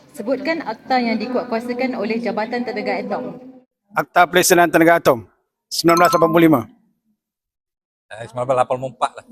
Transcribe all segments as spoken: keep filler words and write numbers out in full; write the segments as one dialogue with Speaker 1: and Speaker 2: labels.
Speaker 1: Sebutkan akta yang dikuatkuasakan oleh Jabatan Tenaga Atom.
Speaker 2: Akta Pelaksanaan Tenaga Atom sembilan belas lapan puluh lima.
Speaker 3: Eh, sembilan belas lapan puluh empat lah.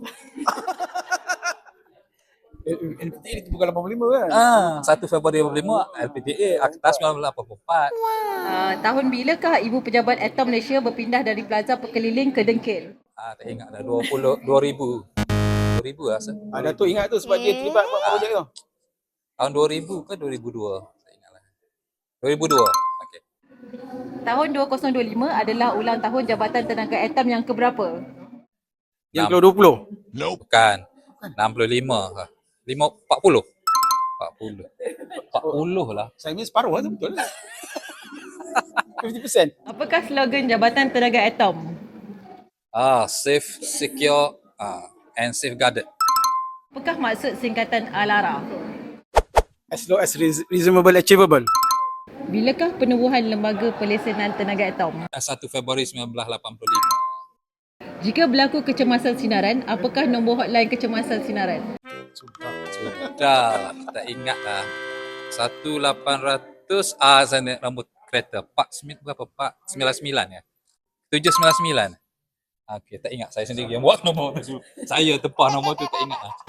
Speaker 2: L P T A itu bukan lapan puluh lima kan?
Speaker 3: Ah, satu Februari lapan puluh lima, L P T A Akta sembilan belas lapan puluh empat.
Speaker 1: Uh, tahun bilakah Ibu Pejabat Atom Malaysia berpindah dari Plaza Pekeliling ke Dengkil?
Speaker 3: Ah, tak ingat dah, dua puluh, dua ribu. dua ribu rasa.
Speaker 2: Ah, Datuk ingat tu sebab dia terlibat buat projek tu.
Speaker 3: Tahun dua ribu ke dua ribu dua? Tak ingat lah. dua ribu dua. Okey.
Speaker 1: Tahun dua ribu dua puluh lima adalah ulang tahun Jabatan Tenaga Atom yang keberapa?
Speaker 2: Yang ke dua puluh.
Speaker 3: Bukan. enam puluh lima lah. lima, empat puluh. empat puluh. empat puluh lah.
Speaker 2: Saya ni separuh lah tu betul. lima puluh peratus.
Speaker 1: Apakah slogan Jabatan Tenaga Atom?
Speaker 3: Ah, safe, secure, ah, and safeguarded.
Speaker 1: Apakah maksud singkatan ALARA?
Speaker 2: As low as reasonable achievable.
Speaker 1: Bilakah penubuhan Lembaga Pelesenan Tenaga Atom?
Speaker 3: satu Februari sembilan belas lapan puluh lima.
Speaker 1: Jika berlaku kecemasan sinaran, apakah nombor hotline kecemasan sinaran?
Speaker 3: Sudah, tak ingat lah. satu lapan ratus, ah, saya nak nombor kereta. Pak Smith berapa? Pak sembilan sembilan ya? tujuh sembilan sembilan. Okey, tak ingat, saya sendiri yang buat nombor tu. Saya tempah nombor tu, tak ingat lah.